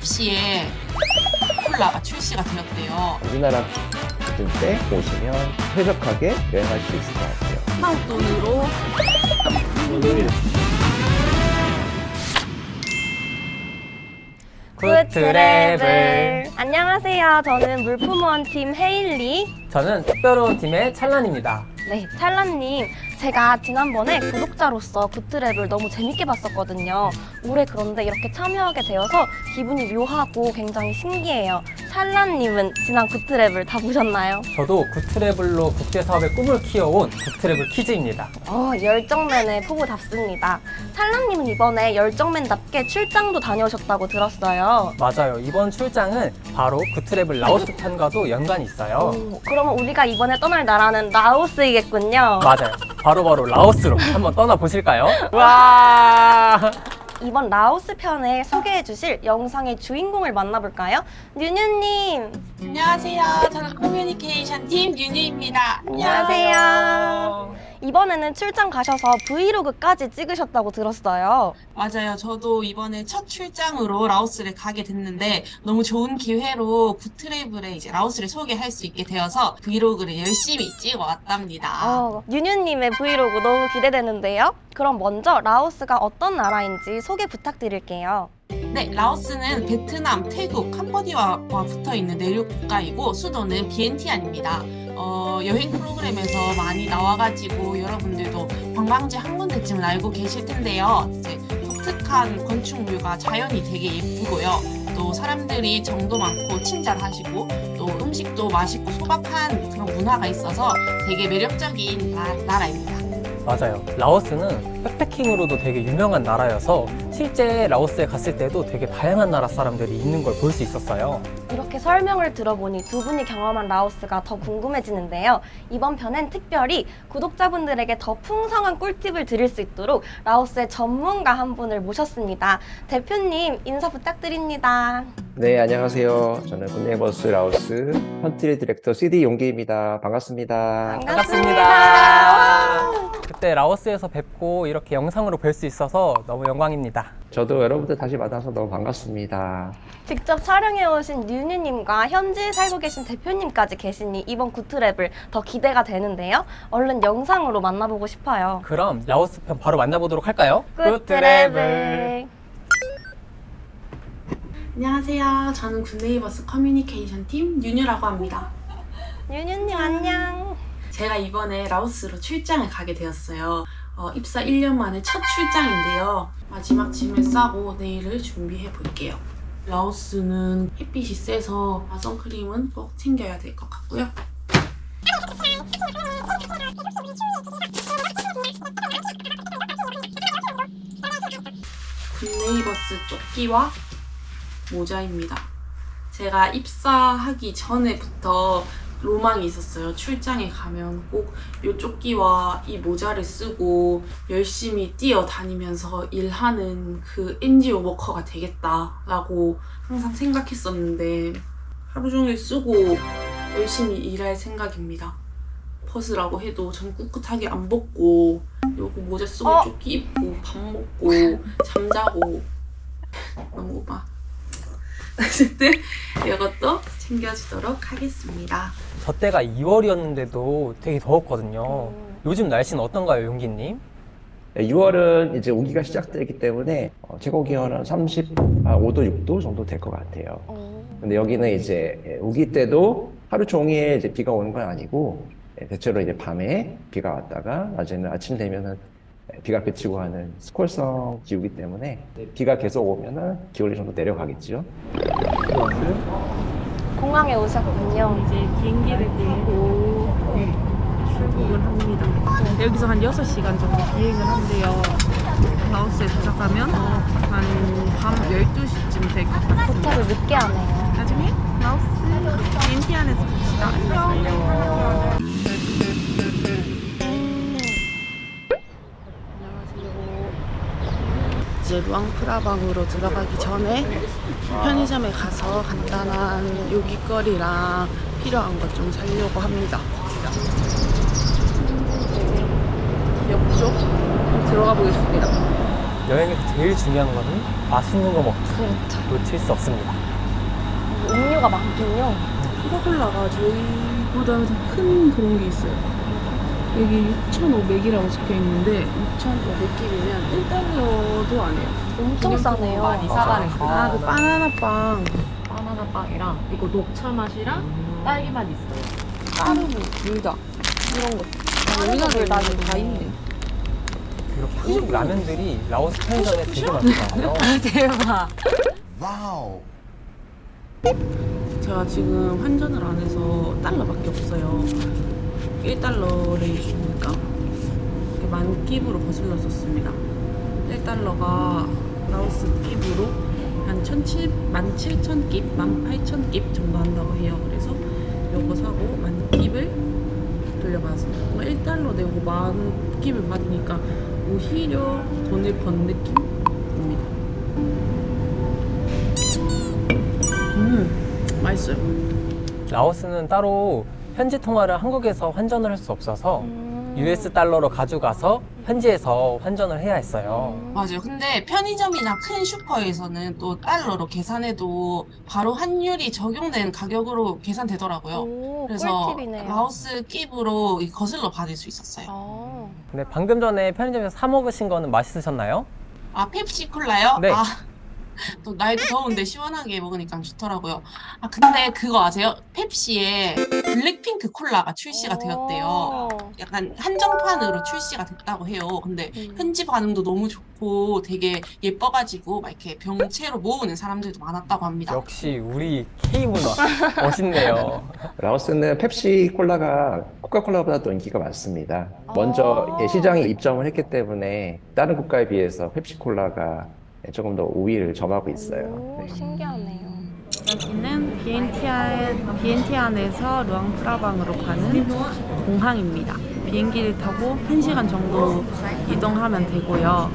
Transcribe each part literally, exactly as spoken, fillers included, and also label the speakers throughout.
Speaker 1: 시에 콜라가 출시가 되었대요.
Speaker 2: 우리나라 같은 때 오시면 쾌적하게 여행할 수 있을 것 같아요.
Speaker 1: 한국 돈으로
Speaker 3: 굿트래블. 안녕하세요. 저는 물품원 팀 헤일리.
Speaker 4: 저는 특별원 팀의 찰란입니다.
Speaker 3: 네, 찰란님. 제가 지난번에 구독자로서 굿트랩을 너무 재밌게 봤었거든요. 올해 그런데 이렇게 참여하게 되어서 기분이 묘하고 굉장히 신기해요. 찰란님은 지난 굿트랩을 다 보셨나요?
Speaker 4: 저도 굿트래블로 국제사업의 꿈을 키워온 굿트래블 키즈입니다.
Speaker 3: 어, 열정맨의 포부답습니다. 찰란님은 이번에 열정맨답게 출장도 다녀오셨다고 들었어요.
Speaker 4: 맞아요. 이번 출장은 바로 굿트래블 라오스 편과도 연관이 있어요.
Speaker 3: 오, 그러면 우리가 이번에 떠날 나라는 라오스이겠군요.
Speaker 4: 맞아요. 바로바로 라오스로 한번 떠나보실까요? 와!
Speaker 3: 이번 라오스 편을 소개해 주실 영상의 주인공을 만나볼까요? 뉴뉴님!
Speaker 1: 안녕하세요. 저는 커뮤니케이션 팀 윤유입니다.
Speaker 3: 안녕하세요. 이번에는 출장 가셔서 브이로그까지 찍으셨다고 들었어요.
Speaker 1: 맞아요. 저도 이번에 첫 출장으로 라오스를 가게 됐는데 너무 좋은 기회로 굿트래블에 이제 라오스를 소개할 수 있게 되어서 브이로그를 열심히 찍어 왔답니다.
Speaker 3: 어, 뉴뉴님의 브이로그 너무 기대되는데요. 그럼 먼저 라오스가 어떤 나라인지 소개 부탁드릴게요.
Speaker 1: 네, 라오스는 베트남, 태국, 캄보디아와 붙어 있는 내륙 국가이고 수도는 비엔티안입니다. 어, 여행 프로그램에서 많이 나와가지고 여러분들도 관광지 한 군데쯤은 알고 계실 텐데요. 이제 독특한 건축물과 자연이 되게 예쁘고요. 또 사람들이 정도 많고 친절하시고 또 음식도 맛있고 소박한 그런 문화가 있어서 되게 매력적인 나, 나라입니다.
Speaker 4: 맞아요. 라오스는 백패킹으로도 되게 유명한 나라여서 실제 라오스에 갔을 때도 되게 다양한 나라 사람들이 있는 걸 볼 수 있었어요.
Speaker 3: 이렇게 설명을 들어보니 두 분이 경험한 라오스가 더 궁금해지는데요. 이번 편엔 특별히 구독자분들에게 더 풍성한 꿀팁을 드릴 수 있도록 라오스의 전문가 한 분을 모셨습니다. 대표님 인사 부탁드립니다.
Speaker 2: 네, 안녕하세요. 저는 굿네이버스 라오스 컨트리 디렉터 씨디 용기입니다. 반갑습니다.
Speaker 4: 반갑습니다. 그때 라오스에서 뵙고 이렇게 영상으로 뵐 수 있어서 너무 영광입니다.
Speaker 2: 저도 여러분들 다시 만나서 너무 반갑습니다.
Speaker 3: 직접 촬영해 오신 뉴뉴님과 현지에 살고 계신 대표님까지 계시니 이번 굿트랩을 더 기대가 되는데요. 얼른 영상으로 만나보고 싶어요.
Speaker 4: 그럼 라오스 편 바로 만나보도록 할까요?
Speaker 3: 굿트랩을.
Speaker 5: 안녕하세요. 저는 굿네이버스 커뮤니케이션 팀 윤유라고 합니다.
Speaker 3: 뉴뉴님 안녕.
Speaker 5: 제가 이번에 라오스로 출장을 가게 되었어요. 어, 입사 일 년 만에 첫 출장인데요. 마지막 짐을 싸고 내일을 준비해 볼게요. 라오스는 햇빛이 세서 선크림은 꼭 챙겨야 될 것 같고요. 굿네이버스 조끼와 모자입니다. 제가 입사하기 전에부터 로망이 있었어요. 출장에 가면 꼭 이 조끼와 이 모자를 쓰고 열심히 뛰어다니면서 일하는 그 엔지오 워커가 되겠다라고 항상 생각했었는데 하루 종일 쓰고 열심히 일할 생각입니다. 벗으라고 해도 전 꿋꿋하게 안 벗고 요거 모자 쓰고
Speaker 3: 어?
Speaker 5: 조끼 입고 밥 먹고 잠자고 너무 막 어쨌든 이것도 챙겨주도록 하겠습니다.
Speaker 4: 저 때가 이월이었는데도 되게 더웠거든요.
Speaker 3: 음.
Speaker 4: 요즘 날씨는 어떤가요, 용기님?
Speaker 2: 유월은 이제 우기가 시작되기 때문에 어, 최고 기온은 삼십오 도, 육 도 정도 될 것 같아요.
Speaker 3: 어,
Speaker 2: 근데 여기는 이제 우기 때도 하루 종일 이제 비가 오는 건 아니고 대체로 이제 밤에 비가 왔다가 낮에는 아침 되면은 비가 그치고 하는 스콜성 기후이기 때문에 비가 계속 오면은 기온이 좀 더 내려가겠죠.
Speaker 3: 공항에 오셨군요.
Speaker 6: 이제 비행기를 끌고 출국을 합니다. 여기서 한 여섯 시간 정도 비행을 한대요. 라오스에 도착하면 한 밤 열두 시쯤 될 것 같습니다.
Speaker 3: 도착을 늦게 하네요.
Speaker 6: 나중에 라오스 비엔티안에서 봅시다. 안녕.
Speaker 5: 이제 루앙프라방으로 들어가기 전에 편의점에 가서 간단한 요깃거리랑 필요한 것 좀 사려고 합니다. 옆쪽 들어가 보겠습니다.
Speaker 4: 여행에서 제일 중요한 거는 맛있는 거 먹기 놓칠 수 없습니다.
Speaker 3: 음료가 많군요.
Speaker 6: 코카콜라가 저희보다 큰 그런 게 있어요. 여기 육천오백이라고 적혀 있는데 육천오백 끼리면 일 달러도 안 해요.
Speaker 3: 엄청 싸네요.
Speaker 7: 많이 사가는 거.
Speaker 6: 아, 그 바나나 빵.
Speaker 7: 바나나 빵이랑 이거 녹차 맛이랑 딸기 맛 있어요.
Speaker 6: 까르보, 물다 이런 거. 아, 여기가
Speaker 3: 물다는
Speaker 6: 다 있네.
Speaker 4: 이렇게 한국 라면들이 라오스 편의점에 되게 많더라고요.
Speaker 7: 대박.
Speaker 6: 제가 지금 환전을 안 해서 달러밖에 없어요. 일 달러를 주니까 이렇게 만 끼브로 거슬러 썼습니다. 일 달러가 라오스 끼브로 한 만 칠천 끼, 만 팔천 끼 정도 한다고 해요. 그래서 요거 사고 만 끼를 돌려받았습니다. 일 달러 내고 만 끼를 받으니까 오히려 돈을 번 느낌입니다. 음, 맛있어요.
Speaker 4: 라오스는 따로 현지 통화를 한국에서 환전을 할 수 없어서
Speaker 3: 음.
Speaker 4: 유에스 달러로 가져가서 현지에서 환전을 해야 했어요.
Speaker 1: 맞아요. 근데 편의점이나 큰 슈퍼에서는 또 달러로 계산해도 바로 환율이 적용된 가격으로 계산되더라고요.
Speaker 3: 오,
Speaker 1: 그래서
Speaker 3: 꿀팁이네요.
Speaker 1: 라오스 끼브로 이 거슬러 받을 수 있었어요.
Speaker 3: 아.
Speaker 4: 근데 방금 전에 편의점에서 사 먹으신 거는 맛있으셨나요?
Speaker 1: 아, 펩시 콜라요?
Speaker 4: 네.
Speaker 1: 아, 또 날도 더운데 시원하게 먹으니까 좋더라고요. 아, 근데 그거 아세요? 펩시에 블랙핑크 콜라가 출시가 되었대요.
Speaker 3: 오.
Speaker 1: 약간 한정판으로 출시가 됐다고 해요. 근데
Speaker 3: 음.
Speaker 1: 현지 반응도 너무 좋고 되게 예뻐가지고 막 이렇게 병채로 모으는 사람들도 많았다고 합니다.
Speaker 4: 역시 우리 K문화 멋있네요.
Speaker 2: 라오스는 펩시 콜라가 코카콜라보다 더 인기가 많습니다. 먼저
Speaker 3: 아.
Speaker 2: 시장에 입점을 했기 때문에 다른 국가에 비해서 펩시 콜라가 조금 더 우위를 점하고 있어요.
Speaker 3: 오,
Speaker 2: 네.
Speaker 3: 신기하네요.
Speaker 6: 여기는 비엔티아, 비엔티안에서 루앙프라방으로 가는 공항입니다. 비행기를 타고 한 시간 정도 이동하면 되고요.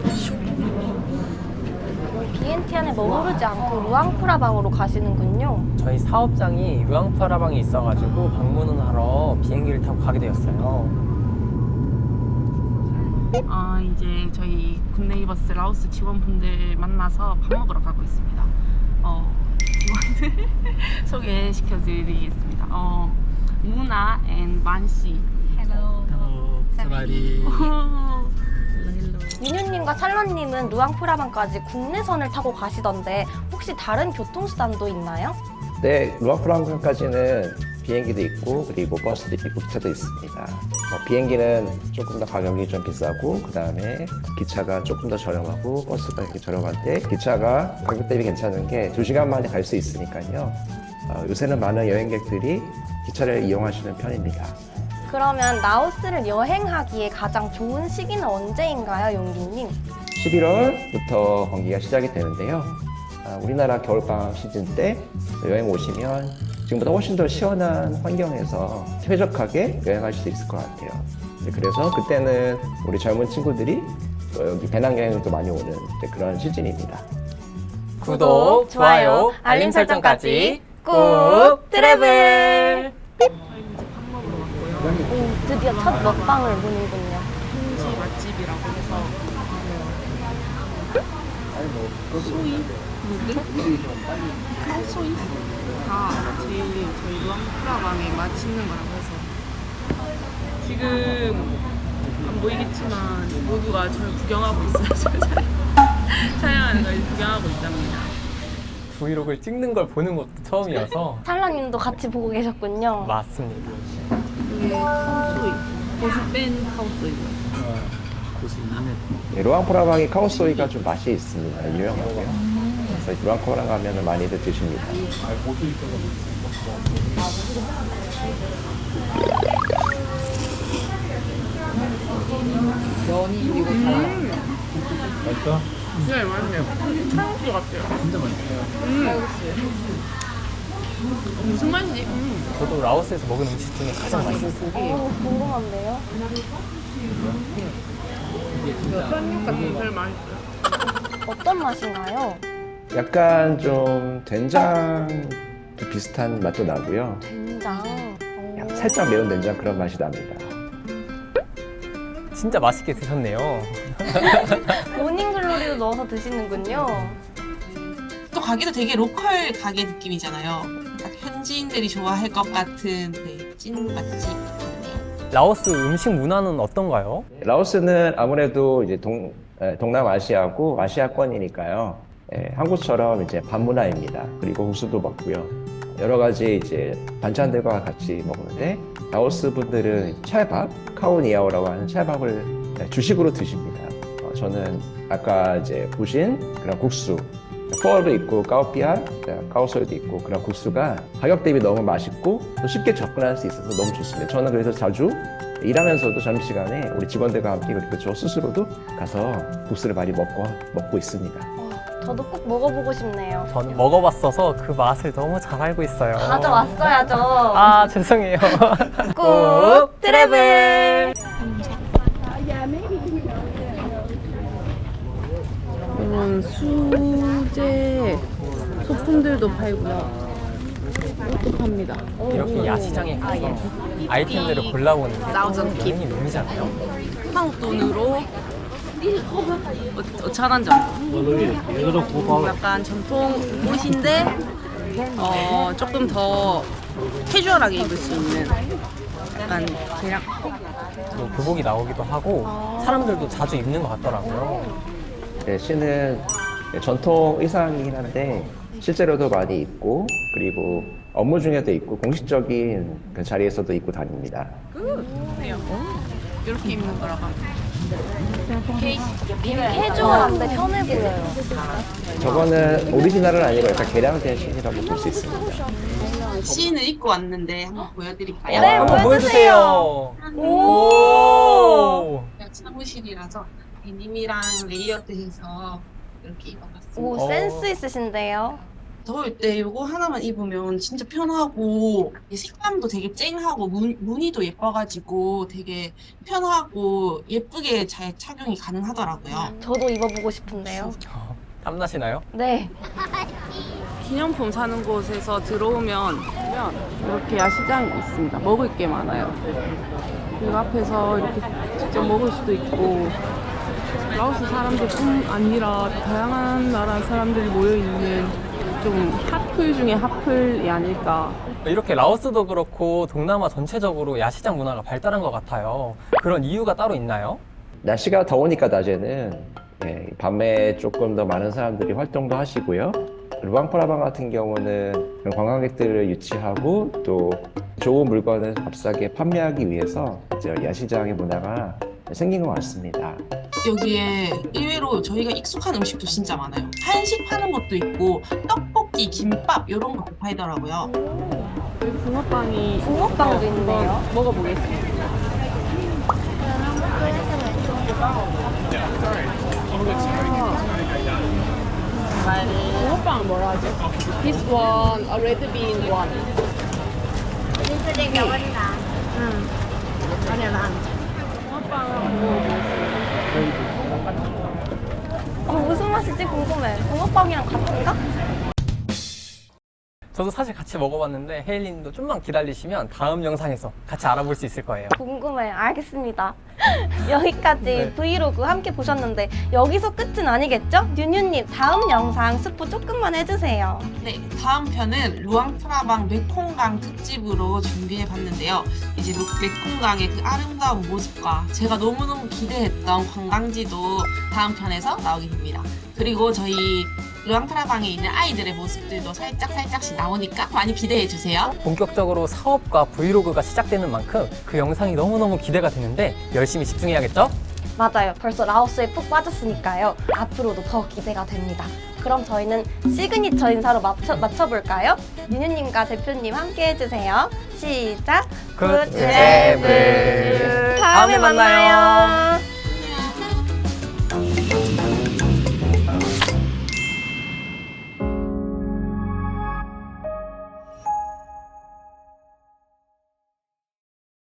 Speaker 3: 비엔티안에 머무르지 않고 루앙프라방으로 가시는군요.
Speaker 4: 저희 사업장이 루앙프라방에 있어가지고 방문을 하러 비행기를 타고 가게 되었어요.
Speaker 6: 아, 이제 저희 굿네이버스 라오스 직원분들 만나서 밥 먹으러 가고 있습니다. 어, 직원들 소개시켜드리겠습니다. 어, 무나 앤 만씨.
Speaker 7: Hello. 사바디.
Speaker 3: 윤유님과 찰런님은 루앙프라방까지 국내선을 타고 가시던데 혹시 다른 교통수단도 있나요?
Speaker 2: 네, 루앙프라방까지는 비행기도 있고 그리고 버스도 있고 기차도 있습니다. 뭐 비행기는 조금 더 가격이 좀 비싸고 그 다음에 기차가 조금 더 저렴하고 버스가 이렇게 저렴한데 기차가 가격 대비 괜찮은 게 두 시간 만에 갈 수 있으니까요. 어, 요새는 많은 여행객들이 기차를 이용하시는 편입니다.
Speaker 3: 그러면 라오스를 여행하기에 가장 좋은 시기는 언제인가요, 용기님?
Speaker 2: 십일월부터 경기가 시작이 되는데요. 아, 우리나라 겨울방학 시즌 때 여행 오시면 지금보다 훨씬 더 시원한 환경에서 쾌적하게 여행하실 수 있을 것 같아요. 네, 그래서 그때는 우리 젊은 친구들이 또 여기 배낭여행도 많이 오는 이제 그런 시즌입니다.
Speaker 4: 구독, 좋아요, 알림 설정까지 꾹 트래블!
Speaker 3: 오, 드디어 첫 먹방을 보는군요.
Speaker 6: 현지 맛집이라고 해서 소이 누들? 카오소이가 제일 저희 루앙프라방에 맛있는 거라고 해서 지금 안 보이겠지만 모두가 저를 구경하고 있어요. 저를 촬영하는 걸 구경하고 있답니다.
Speaker 4: 브이로그를 찍는 걸 보는 것도 처음이어서
Speaker 3: 찰런님도 같이 보고 계셨군요.
Speaker 4: 맞습니다.
Speaker 6: 이게 카오소이 고수 뺀 카오소이고요.
Speaker 2: 네, 루앙프라방이 카오소이가 좀 맛이 있습니다. 유명하고요. 그래서 루앙프라방 가면 많이들 드십니다.
Speaker 7: 면이 그리고 달아요.
Speaker 6: 네, 맛있네요. 칼국수 같아요. 진짜 맛있어요. 음. 무슨 맛이지? 음.
Speaker 4: 저도 라오스에서 먹은 음식 중에 가장 맛있었어요.
Speaker 3: 오, 궁금한데요?
Speaker 6: 편육 같은 게 제일 맛있어요.
Speaker 3: 어떤 맛인가요?
Speaker 2: 약간 좀 된장 비슷한 맛도 나고요.
Speaker 3: 된장. 오.
Speaker 2: 살짝 매운 된장 그런 맛이 납니다.
Speaker 4: 진짜 맛있게 드셨네요.
Speaker 3: 모닝글로리 넣어서 드시는군요.
Speaker 1: 또 가게도 되게 로컬 가게 느낌이잖아요. 딱 현지인들이 좋아할 것 같은 네, 찐 맛집 같네요.
Speaker 4: 라오스 음식 문화는 어떤가요?
Speaker 2: 라오스는 아무래도 이제 동, 에, 동남아시아고 아시아권이니까요. 예, 한국처럼 이제 밥 문화입니다. 그리고 국수도 먹고요. 여러 가지 이제 반찬들과 같이 먹는데 라오스 분들은 찰밥, 카오니아오라고 하는 찰밥을 주식으로 드십니다. 어, 저는 아까 이제 보신 그런 국수, 펄도 있고 까오피아, 까오소이도 있고 그런 국수가 가격 대비 너무 맛있고 또 쉽게 접근할 수 있어서 너무 좋습니다. 저는 그래서 자주 일하면서도 점심시간에 우리 직원들과 함께 그리고 저 스스로도 가서 국수를 많이 먹고 먹고 있습니다.
Speaker 3: 어, 저도 꼭 먹어보고 싶네요.
Speaker 4: 저는 먹어봤어서 그 맛을 너무 잘 알고 있어요.
Speaker 3: 가져왔어야죠.
Speaker 4: 아, 죄송해요.
Speaker 3: 꾹 트래블.
Speaker 6: 이런 수제 소품들도 팔고요. 옷도 팝니다.
Speaker 4: 이렇게 야시장에 가서 아이템들을 골라보는 게 여행의 묘미잖아요.
Speaker 6: 한국 돈으로 오천 원 정도. 약간 전통 옷인데 어, 조금 더 캐주얼하게 입을 수 있는 약간 대략
Speaker 4: 또 교복이 나오기도 하고 사람들도 자주 입는 것 같더라고요.
Speaker 2: 네, 시는 전통 의상이긴 한데 실제로도 많이 입고 그리고 업무 중에도 입고 공식적인 그 자리에서도 입고 다닙니다.
Speaker 6: 이렇게 입는 거라고 합니다.
Speaker 3: 캐주얼한데 편해 보여요.
Speaker 2: 저거는 오리지널은 아니고 약간 개량된 신이라고 볼 수 있습니다.
Speaker 1: 시인을 입고 왔는데 한번 보여드릴까요?
Speaker 3: 네,
Speaker 4: 한번
Speaker 3: 보여주세요.
Speaker 4: 보여주세요. 오.
Speaker 1: 사무실이라서 데님이랑 레이어드해서 이렇게 입어봤습니다.
Speaker 3: 오,
Speaker 4: 어.
Speaker 3: 센스 있으신데요.
Speaker 1: 더울 때 이거 하나만 입으면 진짜 편하고 이 색감도 되게 쨍하고 무, 무늬도 예뻐가지고 되게 편하고 예쁘게 잘 착용이 가능하더라고요.
Speaker 3: 저도 입어보고 싶은데요.
Speaker 4: 땀나시나요?
Speaker 3: 네.
Speaker 6: 기념품 사는 곳에서 들어오면 이렇게 야시장이 있습니다. 먹을 게 많아요. 그리고 앞에서 이렇게 직접 먹을 수도 있고 라오스 사람들뿐 아니라 다양한 나라 사람들이 모여있는 좀 핫플 중에 핫플이 아닐까.
Speaker 4: 이렇게 라오스도 그렇고 동남아 전체적으로 야시장 문화가 발달한 것 같아요. 그런 이유가 따로 있나요?
Speaker 2: 날씨가 더우니까 낮에는 예, 밤에 조금 더 많은 사람들이 활동도 하시고요. 루앙프라방 같은 경우는 그런 관광객들을 유치하고 또 좋은 물건을 값싸게 판매하기 위해서 이제 야시장의 문화가 생긴 것 같습니다.
Speaker 1: 여기에 의외로 저희가 익숙한 음식도 진짜 많아요. 한식 파는 것도 있고 떡볶이, 김밥 이런 것도 팔더라고요.
Speaker 6: 여기 붕어빵이
Speaker 3: 붕어빵도 있네요.
Speaker 6: 한번 먹어보겠습니다. 붕어빵은 뭐라 하죠? This one, a red bean one. 붕어빵은 한번 먹어보겠습니다.
Speaker 3: 어, 무슨 맛일지 궁금해. 붕어빵이랑 같은가?
Speaker 4: 저도 사실 같이 먹어봤는데 헤일리님도 좀만 기다리시면 다음 영상에서 같이 알아볼 수 있을 거예요.
Speaker 3: 궁금해. 알겠습니다. 여기까지
Speaker 4: 네.
Speaker 3: 브이로그 함께 보셨는데 여기서 끝은 아니겠죠? 뉴뉴님 다음 영상 스포 조금만 해주세요.
Speaker 1: 네, 다음 편은 루앙프라방 메콩강 특집으로 준비해봤는데요. 이제 루- 메콩강의 그 아름다운 모습과 제가 너무너무 기대했던 관광지도 다음 편에서 나오게 됩니다. 그리고 저희 루앙프라방에 있는 아이들의 모습들도 살짝 살짝씩 나오니까 많이 기대해주세요.
Speaker 4: 본격적으로 사업과 브이로그가 시작되는 만큼 그 영상이 너무너무 기대가 되는데 열심히 집중해야겠죠?
Speaker 3: 맞아요. 벌써 라오스에 푹 빠졌으니까요. 앞으로도 더 기대가 됩니다. 그럼 저희는 시그니처 인사로 맞춰, 맞춰볼까요? 뉴뉴님과 대표님 함께 해주세요. 시작!
Speaker 4: 굿 트래블.
Speaker 3: 다음에 만나요.